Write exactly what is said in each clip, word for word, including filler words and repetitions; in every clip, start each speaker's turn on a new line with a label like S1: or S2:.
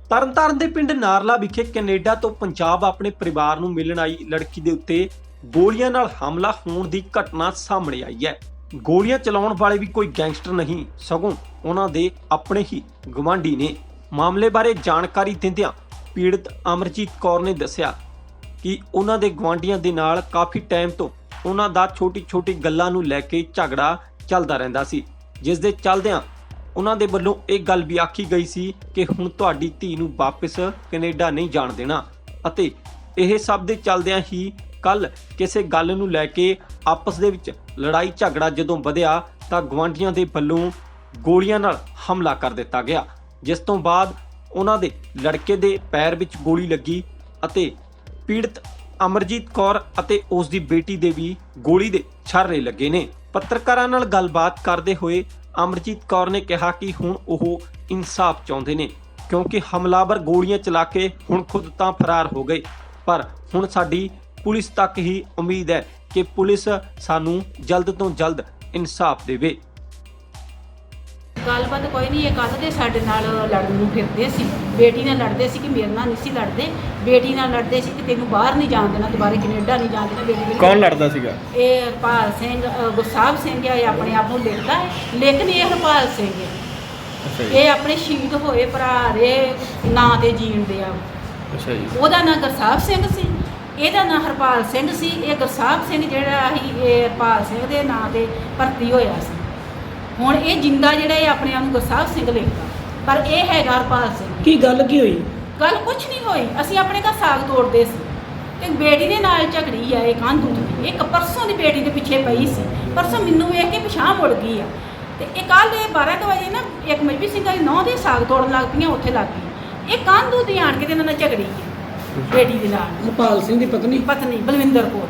S1: ਤਰਨਤਾਰਨ ਦੇ ਪਿੰਡ ਨਾਰਲਾ ਵਿਖੇ ਕੈਨੇਡਾ ਤੋਂ ਪੰਜਾਬ ਆਪਣੇ ਪਰਿਵਾਰ ਨੂੰ ਮਿਲਣ ਆਈ ਲੜਕੀ ਦੇ ਉੱਤੇ ਗੋਲੀਆਂ ਨਾਲ ਹਮਲਾ ਹੋਣ ਦੀ ਘਟਨਾ ਸਾਹਮਣੇ ਆਈ ਹੈ। ਗੋਲੀਆਂ ਚਲਾਉਣ ਵਾਲੇ ਵੀ ਕੋਈ ਗੈਂਗਸਟਰ ਨਹੀਂ, ਸਗੋਂ ਉਹਨਾਂ ਦੇ ਆਪਣੇ ਹੀ ਗਵਾਂਢੀ ਨੇ। ਮਾਮਲੇ ਬਾਰੇ ਜਾਣਕਾਰੀ ਦਿੰਦਿਆਂ ਪੀੜਤ ਅਮਰਜੀਤ ਕੌਰ ਨੇ ਦੱਸਿਆ ਕਿ ਉਹਨਾਂ ਦੇ ਗਵਾਂਢੀਆਂ ਦੇ ਨਾਲ ਕਾਫੀ ਟਾਈਮ ਤੋਂ ਉਹਨਾਂ ਦਾ ਛੋਟੀ-ਛੋਟੀ ਗੱਲਾਂ ਨੂੰ ਲੈ ਕੇ ਝਗੜਾ ਚੱਲਦਾ ਰਹਿੰਦਾ ਸੀ, ਜਿਸ ਦੇ ਚੱਲਦਿਆਂ ਉਹਨਾਂ ਦੇ ਵੱਲੋਂ ਇਹ ਗੱਲ ਵੀ ਆਖੀ ਗਈ ਸੀ ਕਿ ਹੁਣ ਤੁਹਾਡੀ ਧੀ ਨੂੰ ਵਾਪਸ ਕੈਨੇਡਾ ਨਹੀਂ ਜਾਣ ਦੇਣਾ। ਅਤੇ ਇਹ ਸਭ ਦੇ ਚੱਲਦਿਆਂ ਹੀ ਕੱਲ ਕਿਸੇ ਗੱਲ ਨੂੰ ਲੈ ਕੇ ਆਪਸ ਦੇ ਵਿੱਚ ਲੜਾਈ ਝਗੜਾ ਜਦੋਂ ਵਧਿਆ ਤਾਂ ਗਵਾਂਢੀਆਂ ਦੇ ਵੱਲੋਂ ਗੋਲੀਆਂ ਨਾਲ ਹਮਲਾ ਕਰ ਦਿੱਤਾ ਗਿਆ, ਜਿਸ ਤੋਂ ਬਾਅਦ ਉਹਨਾਂ ਦੇ ਲੜਕੇ ਦੇ ਪੈਰ ਵਿੱਚ ਗੋਲੀ ਲੱਗੀ ਅਤੇ ਪੀੜਤ ਅਮਰਜੀਤ ਕੌਰ ਅਤੇ ਉਸ ਦੀ ਬੇਟੀ ਦੇ ਵੀ ਗੋਲੀ ਦੇ ਛਾਰੇ ਲੱਗੇ ਨੇ। ਪੱਤਰਕਾਰਾਂ ਨਾਲ ਗੱਲਬਾਤ ਕਰਦੇ ਹੋਏ ਅਮਰਜੀਤ ਕੌਰ ਨੇ ਕਿਹਾ ਕਿ ਹੁਣ ਉਹ ਇਨਸਾਫ ਚਾਹੁੰਦੇ ਨੇ, ਕਿਉਂਕਿ ਹਮਲਾਵਰ ਗੋਲੀਆਂ ਚਲਾ ਕੇ ਹੁਣ ਖੁਦ ਤਾਂ ਫਰਾਰ ਹੋ ਗਏ, ਪਰ ਹੁਣ ਸਾਡੀ ਪੁਲਿਸ ਤੱਕ ਹੀ ਉਮੀਦ ਹੈ ਕਿ ਪੁਲਿਸ ਸਾਨੂੰ ਜਲਦ ਤੋਂ ਜਲਦ ਇਨਸਾਫ ਦੇਵੇ।
S2: ਗੱਲਬਾਤ ਕੋਈ ਨਹੀਂ, ਇਹ ਕੱਲ ਦੇ ਸਾਡੇ ਨਾਲ ਲੜਨ ਨੂੰ ਫਿਰਦੇ ਸੀ। ਬੇਟੀ ਨਾਲ ਲੜਦੇ ਸੀ ਕਿ ਮੇਰੇ ਨਾਲ ਨਹੀਂ ਸੀ ਲੜਦੇ, ਬੇਟੀ ਨਾਲ ਲੜਦੇ ਸੀ ਕਿ ਤੈਨੂੰ ਬਾਹਰ ਨਹੀਂ ਜਾਣ ਦੇਣਾ, ਦੁਬਾਰੇ ਕੈਨੇਡਾ ਨਹੀਂ ਜਾਣ ਦੇਣਾ। ਬੇਟੀ
S3: ਕੌਣ ਲੜਦਾ ਸੀਗਾ?
S2: ਇਹ ਹਰਪਾਲ ਸਿੰਘ, ਗੁਰਸਾਹਿਬ ਸਿੰਘ ਆ, ਇਹ ਆਪਣੇ ਆਪ ਨੂੰ ਲਿਖਦਾ ਹੈ, ਲੇਕਿਨ ਇਹ ਹਰਪਾਲ ਸਿੰਘ ਹੈ। ਇਹ ਆਪਣੇ ਸ਼ਹੀਦ ਹੋਏ ਭਰਾ ਦੇ ਨਾਂ ਤੇ ਜੀਣਦੇ ਆ।
S3: ਅੱਛਾ ਜੀ।
S2: ਉਹਦਾ ਨਾਂ ਗੁਰਸਾਹਿਬ ਸਿੰਘ ਸੀ, ਇਹਦਾ ਨਾਂ ਹਰਪਾਲ ਸਿੰਘ ਸੀ। ਇਹ ਗੁਰਸਾਹਿਬ ਸਿੰਘ ਜਿਹੜਾ ਸੀ ਇਹ ਹਰਪਾਲ ਸਿੰਘ ਦੇ ਨਾਂ ਤੇ ਭਰਤੀ ਹੋਇਆ ਸੀ। ਹੁਣ ਇਹ ਜਿੰਦਾ ਜਿਹੜਾ ਇਹ ਆਪਣੇ ਆਪ ਨੂੰ ਗੁਰਸਾਹਿਬ ਸਿੰਘ ਲਿਖਦਾ, ਪਰ ਇਹ ਹੈਗਾ ਹਰਪਾਲ ਸਿੰਘ।
S4: ਕੀ ਗੱਲ ਕੀ ਹੋਈ?
S2: ਗੱਲ ਕੁਛ ਨਹੀਂ ਹੋਈ, ਅਸੀਂ ਆਪਣੇ ਘਰ ਸਾਗ ਤੋੜਦੇ ਸੀ ਤੇ ਬੇਟੀ ਦੇ ਨਾਲ ਝਗੜੀ ਆ ਇਹ ਕੰਧ ਉੱਤੇ। ਇੱਕ ਪਰਸੋਂ ਦੀ ਬੇਟੀ ਦੇ ਪਿੱਛੇ ਪਈ ਸੀ, ਪਰਸੋਂ ਮੈਨੂੰ ਵੇਖ ਕੇ ਪਿਛਾਂਹ ਮੁੜ ਗਈ ਆ ਤੇ ਇਹ ਕੱਲ੍ਹ ਇਹ ਬਾਰਾਂ ਕੁ ਵਜੇ ਨਾ ਇੱਕ ਮਜਬੀ ਸਿੰਘ ਦੀ ਨੌਂ ਦੇ ਸਾਗ ਤੋੜਨ ਲੱਗ ਪਈਆਂ, ਉੱਥੇ ਲੱਗ ਗਈ। ਇਹ ਕੰਧ ਉੱਤੇ ਆਣ ਕੇ ਤੇ ਇਹਨਾਂ ਨਾਲ ਝਗੜੀ ਹੈ ਬੇਟੀ ਦੇ ਨਾਲ।
S4: ਹਰਪਾਲ ਸਿੰਘ ਦੀ ਪਤਨੀ
S2: ਪਤਨੀ ਬਲਵਿੰਦਰ ਕੌਰ,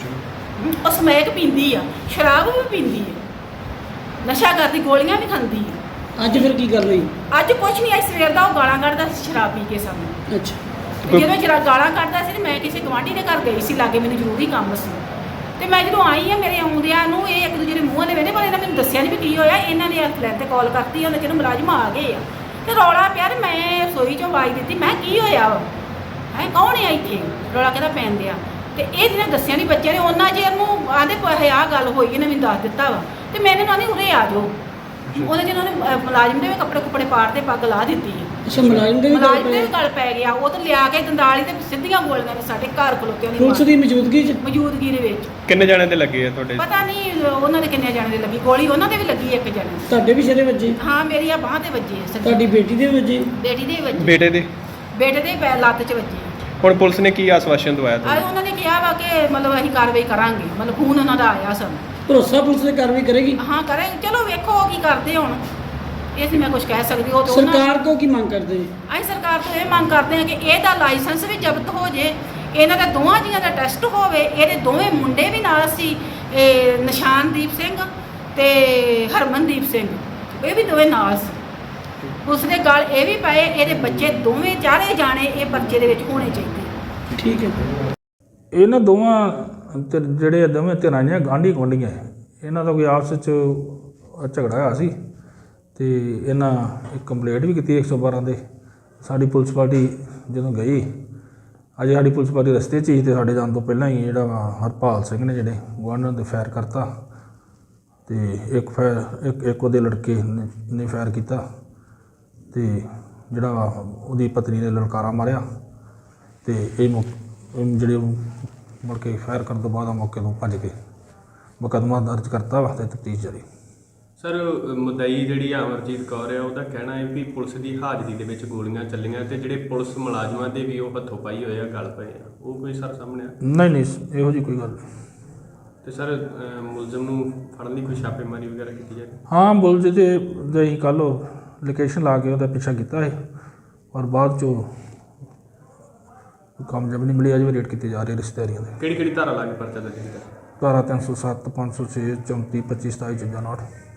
S2: ਉਹ ਸਮੈਕ ਪੀਂਦੀ ਆ, ਸ਼ਰਾਬ ਵੀ ਪੀਂਦੀ ਆ, ਨਸ਼ਾ ਕਰਦੀ, ਗੋਲੀਆਂ ਵੀ ਖਾਂਦੀ ਆ।
S4: ਅੱਜ ਫਿਰ ਕੀ ਗੱਲ ਹੋਈ?
S2: ਅੱਜ ਕੁਛ ਨਹੀਂ, ਅੱਜ ਸਵੇਰ ਦਾ ਉਹ ਗਾਲਾਂ ਕੱਢਦਾ ਸੀ ਸ਼ਰਾਬ ਪੀ ਕੇ ਸਾਨੂੰ।
S4: ਅੱਛਾ।
S2: ਜਦੋਂ ਜਰਾ ਗਾਲਾਂ ਕੱਢਦਾ ਸੀ ਤੇ ਮੈਂ ਕਿਸੇ ਗਵਾਂਢੀ ਦੇ ਘਰ ਗਈ ਸੀ, ਲਾਗੇ ਮੈਨੂੰ ਜ਼ਰੂਰੀ ਕੰਮ ਸੀ ਤੇ ਮੈਂ ਜਦੋਂ ਆਈ ਆ ਮੇਰੇ ਆਉਂਦਿਆਂ ਨੂੰ ਇਹ ਇੱਕ ਦੂਜੇ ਦੇ ਮੂੰਹਾਂ ਦੇ ਵੇਲੇ, ਪਰ ਇਹਨਾਂ ਮੈਨੂੰ ਦੱਸਿਆ ਨਹੀਂ ਵੀ ਕੀ ਹੋਇਆ। ਇਹਨਾਂ ਨੇ ਹੈਲਪਲਾਈਨ ਤੇ ਕਾਲ ਕਰਤੀ, ਉਹਨਾਂ ਚਿਰ ਮੁਲਾਜ਼ਮ ਆ ਗਏ ਆ ਤੇ ਰੌਲਾ ਪਿਆ ਤੇ ਮੈਂ ਰਸੋਈ ਚੋਂ ਆਵਾਜ਼ ਦਿੱਤੀ, ਮੈਂ ਕੀ ਹੋਇਆ ਵਾ ਹੈ, ਕੌਣ ਆ ਇੱਥੇ, ਰੌਲਾ ਕਿਹਦਾ ਪੈਣ ਦਿਆ। ਤੇ ਇਹ ਜਿਹਨੇ ਦੱਸਿਆ ਨਹੀਂ ਬੱਚਿਆਂ ਨੇ, ਉਹਨਾਂ ਚਿਰ ਨੂੰ ਆਂਦੇ ਪਏ ਆਹ ਗੱਲ ਹੋਈ, ਇਹਨੇ ਮੈਨੂੰ ਦੱਸ ਦਿੱਤਾ ਵਾ ਤੇ ਮੈਂ ਇਹਨਾਂ ਨੂੰ ਉਰੇ ਆ ਜਾਓ। ਉਹਦੇ ਜਿਹਨਾਂ ਨੇ ਮੁਲਾਜ਼ਮ ਦੇ ਵੀ ਕੱਪੜੇ ਕੁੱਪੜੇ ਪਾੜ ਤੇ ਪੱਗ ਲਾ ਦਿੱਤੀ ਹੈ।
S4: ਅੱਛਾ, ਮੁਲਾਜ਼ਮ ਦੇ ਵੀ ਗੱਲ
S2: ਮੁਲਾਜ਼ਮ ਦੇ ਵੀ ਗੱਲ ਪੈ ਗਿਆ। ਉਹ ਤਾਂ ਲਿਆ ਕੇ ਦੰਦਾਲੀ ਤੇ ਸਿੱਧੀਆਂ ਗੋਲੀਆਂ ਨੇ ਸਾਡੇ ਘਰ ਖਲੋਤਿਆਂ ਨੇ
S4: ਪੁਲਿਸ ਦੀ ਮੌਜੂਦਗੀ 'ਚ?
S2: ਮੌਜੂਦਗੀ ਦੇ ਵਿੱਚ।
S3: ਕਿੰਨੇ ਜਣੇ ਤੇ ਲੱਗੇ ਆ ਤੁਹਾਡੇ?
S2: ਪਤਾ ਨਹੀਂ ਉਹਨਾਂ ਦੇ ਕਿੰਨੇ ਜਣੇ ਦੇ ਲੱਗੀ ਗੋਲੀ, ਉਹਨਾਂ ਦੇ ਵੀ ਲੱਗੀ ਇੱਕ ਜਣੇ।
S4: ਤੁਹਾਡੇ ਵੀ ਸਿਰੇ ਵੱਜੇ?
S2: ਹਾਂ, ਮੇਰੀ ਆ ਬਾਂਹ ਤੇ ਵੱਜੀ ਹੈ।
S4: ਤੁਹਾਡੀ ਬੇਟੀ ਦੇ ਵੱਜੇ?
S2: ਬੇਟੀ ਦੇ ਵੱਜੀ।
S3: ਬੇਟੇ ਦੇ?
S2: ਬੇਟੇ ਦੇ ਪੈ ਲੱਤ 'ਚ ਵੱਜੀ।
S3: ਹੁਣ ਪੁਲਿਸ ਨੇ ਕੀ ਆਸ਼ਵਾਸਨ ਦਵਾਇਆ
S2: ਆ
S3: ਤੁਹਾਨੂੰ?
S2: ਉਹਨਾਂ ਨੇ ਕਿਹਾ ਵਾ ਕਿ ਮਤਲਬ ਅਸੀਂ ਕਾਰਵਾਈ ਕਰਾਂਗੇ, ਮਤਲਬ ਖੂਨ ਉਹਨਾਂ ਦਾ ਆਇਆ ਸਾਨੂੰ।
S4: ਭਰੋਸਾ ਪੁਲਿਸ ਨੇ ਕਾਰਵਾਈ ਕਰੇਗੀ?
S2: ਹਾਂ ਕਰਾਂਗੇ, ਚਲੋ ਵੇਖੋ ਉਹ ਕੀ ਕਰਦੇ ਹੁਣ, ਇਹ ਸੀ ਮੈਂ ਕੁਝ ਕਹਿ ਸਕਦੀ। ਉਹ ਤਾਂ ਉਹਨਾਂ-
S4: ਸਰਕਾਰ ਤੋਂ ਕੀ ਮੰਗ ਕਰਦੇ ਜੀ?
S2: ਅਸੀਂ ਸਰਕਾਰ ਤੋਂ ਇਹ ਮੰਗ ਕਰਦੇ ਹਾਂ ਕਿ ਇਹਦਾ ਲਾਇਸੈਂਸ ਵੀ ਜ਼ਬਤ ਹੋ ਜੇ, ਇਹਨਾਂ ਦਾ ਦੋਵਾਂ ਜੀਆਂ ਦਾ ਟੈਸਟ ਹੋਵੇ। ਇਹਦੇ ਦੋਵੇਂ ਮੁੰਡੇ ਵੀ ਨਾਲ ਸੀ, ਇਹ ਨਿਸ਼ਾਨਦੀਪ ਸਿੰਘ ਤੇ ਹਰਮਨਦੀਪ ਸਿੰਘ, ਇਹ ਵੀ ਦੋਵੇਂ ਨਾਲ ਸੀ। ਉਸ ਦੇ ਗੱਲ ਇਹ ਵੀ ਪਏ, ਇਹਦੇ ਬੱਚੇ ਦੋਵੇਂ ਚਾਰੇ ਜਾਣੇ ਇਹ ਪਰਚੇ ਦੇ ਵਿੱਚ ਹੋਣੇ ਚਾਹੀਦੇ।
S4: ਠੀਕ ਹੈ।
S5: ਇਹਨਾਂ ਦੋਵਾਂ ਤੇ ਜਿਹੜੇ ਆ ਦੋਵੇਂ ਧਿਰਾਂ ਨੇ ਗਾਂਢੀ ਗੁਆਂਢੀਆਂ ਹੈ, ਇਹਨਾਂ ਦਾ ਕੋਈ ਆਪਸ ਵਿੱਚ ਝਗੜਾ ਹੋਇਆ ਸੀ ਤੇ ਇਹਨਾਂ ਇੱਕ ਕੰਪਲੇਂਟ ਵੀ ਕੀਤੀ ਇੱਕ ਸੌ ਬਾਰਾਂ ਦੇ। ਸਾਡੀ ਪੁਲਿਸ ਪਾਰਟੀ ਜਦੋਂ ਗਈ, ਅਜੇ ਸਾਡੀ ਪੁਲਿਸ ਪਾਰਟੀ ਰਸਤੇ 'ਚ ਹੀ ਤੇ ਸਾਡੇ ਜਾਣ ਤੋਂ ਪਹਿਲਾਂ ਹੀ ਜਿਹੜਾ ਵਾ ਹਰਪਾਲ ਸਿੰਘ ਨੇ ਜਿਹੜੇ ਗੁਆਂਢੀਆਂ 'ਤੇ ਫਾਇਰ ਕਰਤਾ ਤੇ ਇੱਕ ਫਾਇਰ ਇੱਕ ਇੱਕ ਉਹਦੇ ਲੜਕੇ ਨੇ ਨੇ ਫਾਇਰ ਕੀਤਾ ਤੇ ਜਿਹੜਾ ਵਾ ਉਹਦੀ ਪਤਨੀ ਨੇ ਲਲਕਾਰਾ ਮਾਰਿਆ ਤੇ ਇਹ ਮੁ ਜਿਹੜੇ ਮੁੜ ਕੇ ਫਾਇਰ ਕਰਨ ਤੋਂ ਬਾਅਦ ਮੌਕੇ ਤੋਂ ਭੱਜ ਕੇ ਮੁਕੱਦਮਾ ਦਰਜ ਕਰਤਾ ਵਾ ਤੇ ਤਫਤੀਸ਼ ਜਾਰੀ।
S6: ਸਰ, ਮੁਦਈ ਜਿਹੜੀ ਅਮਰਜੀਤ ਕੌਰ ਹੈ ਉਹਦਾ ਕਹਿਣਾ ਹੈ ਵੀ ਪੁਲਿਸ ਦੀ ਹਾਜ਼ਰੀ ਦੇ ਵਿੱਚ ਗੋਲੀਆਂ ਚੱਲੀਆਂ ਤੇ ਜਿਹੜੇ ਪੁਲਿਸ ਮੁਲਾਜ਼ਮਾਂ ਦੇ ਵੀ ਉਹ ਹੱਥੋਂ ਪਾਈ ਹੋਏ ਆ, ਗੱਲ ਪਏ ਆ, ਉਹ ਕੋਈ ਸਰ ਸਾਹਮਣੇ ਆ?
S5: ਨਹੀਂ ਨਹੀਂ ਇਹੋ ਜਿਹੀ ਕੋਈ ਗੱਲ ਨਹੀਂ।
S6: ਤੇ ਸਰ ਮੁਲਜ਼ਮ ਨੂੰ ਫੜਨ ਲਈ ਕੋਈ ਛਾਪੇਮਾਰੀ ਵਗੈਰਾ ਕੀਤੀ ਜਾਏ?
S5: ਹਾਂ, ਬੁਲਜ ਦੇ ਅਸੀਂ ਕੱਲ੍ਹ ਲੋਕੇਸ਼ਨ ਲਾ ਕੇ ਉਹਦਾ ਪਿੱਛਾ ਕੀਤਾ ਹੈ ਔਰ ਬਾਅਦ 'ਚੋਂ ਕਾਮਯਾਬੀ ਨਹੀਂ ਮਿਲੀ। ਅਜੇ ਵੀ ਰੇਟ ਕੀਤੇ ਜਾ ਰਹੇ ਰਿਸ਼ਤੇਦਾਰੀਆਂ ਦੇ।
S6: ਕਿਹੜੀ ਕਿਹੜੀ ਧਾਰਾ ਲਾ ਕੇ ਪਰਚਾ ਦਰਜ ਕੀਤਾ?
S5: ਧਾਰਾ ਤਿੰਨ ਸੌ ਸੱਤ, ਪੰਜ ਸੌ ਛੇ, ਚੌਂਤੀ, ਪੱਚੀ, ਸਤਾਈ, ਚੌਂਜਾ, ਉਨਾਹਠ।